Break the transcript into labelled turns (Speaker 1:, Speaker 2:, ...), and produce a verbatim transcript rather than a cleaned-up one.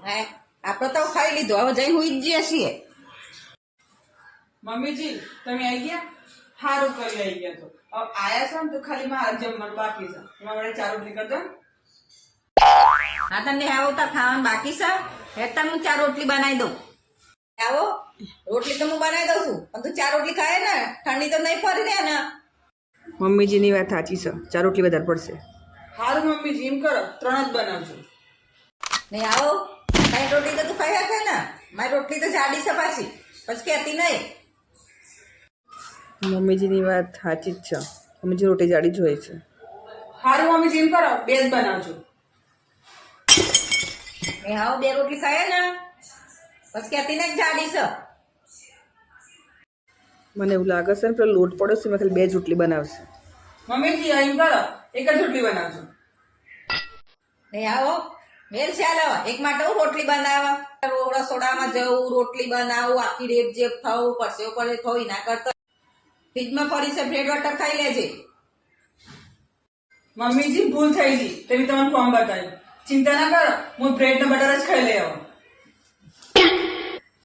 Speaker 1: હે આપણે તો ખાઈ લીધું, હવે જઈને હુઈ જ જઈએ છીએ.
Speaker 2: મમ્મીજી તમે આવી ગયા? સારું કરી આવી ગયા. તો હવે આયા છો ને તો ખાલી મારા જમવાનું બાકી છે. એમાં વડે ચાર રોટલી કરજો.
Speaker 1: હા તને આવો તો ખાવાનું બાકી છે, હેતા હું ચાર રોટલી બનાવી દઉં. આવો રોટલી તો હું બનાવી દઉં છું, પણ તું ચાર રોટલી ખાય ને, ઠંડી તો નહીં ફરી રહ્યા ને.
Speaker 2: મમ્મીજીની વાત સાચી છે, ચાર રોટલી વધારે પડશે. સારું મમ્મીજી એમ કરો, ત્રણ જ બનાવજો.
Speaker 1: નહીં આવો કઈ રોટલી તો તું ખાઈ શકે ને, મારી રોટલી તો જાડી છે પાછી, પછી કહેતી નહીં.
Speaker 2: મમ્મીજીની વાત સાચી જ છે, મમ્મીજી રોટી જાડી જોઈએ છે. સારું મમ્મીજી એમ કરો, બે જ બનાવજો.
Speaker 1: નહીં આવો બે રોટલી ખાય ને, પછી કહેતી નહીં જાડી છે.
Speaker 2: મને એવું લાગે છે ને પેલો લોટ પડ્યો છે, મેં ખાલી બે જ રોટલી બનાવશે. મમ્મીજી એમ કરો, એક જ રોટલી બનાવજો.
Speaker 1: નહીં આવો મેલ ચાલો, એક માટે હું રોટલી બનાવવા, રસોડામાં જવું, રોટલી બનાવું, આખી રેપ જેપ થવું, પછી પડે થવું, ના કરતા ફ્રીજમાં પડી છે બ્રેડ બટર ખાઈ લેજે.
Speaker 2: મમ્મીજી ભૂલ થઈ ગઈ, તમે તમને ફોર્મ બતાવ્યું. ચિંતા ના કરો, હું બ્રેડ ને બટર જ ખાઈ લઈ આવું.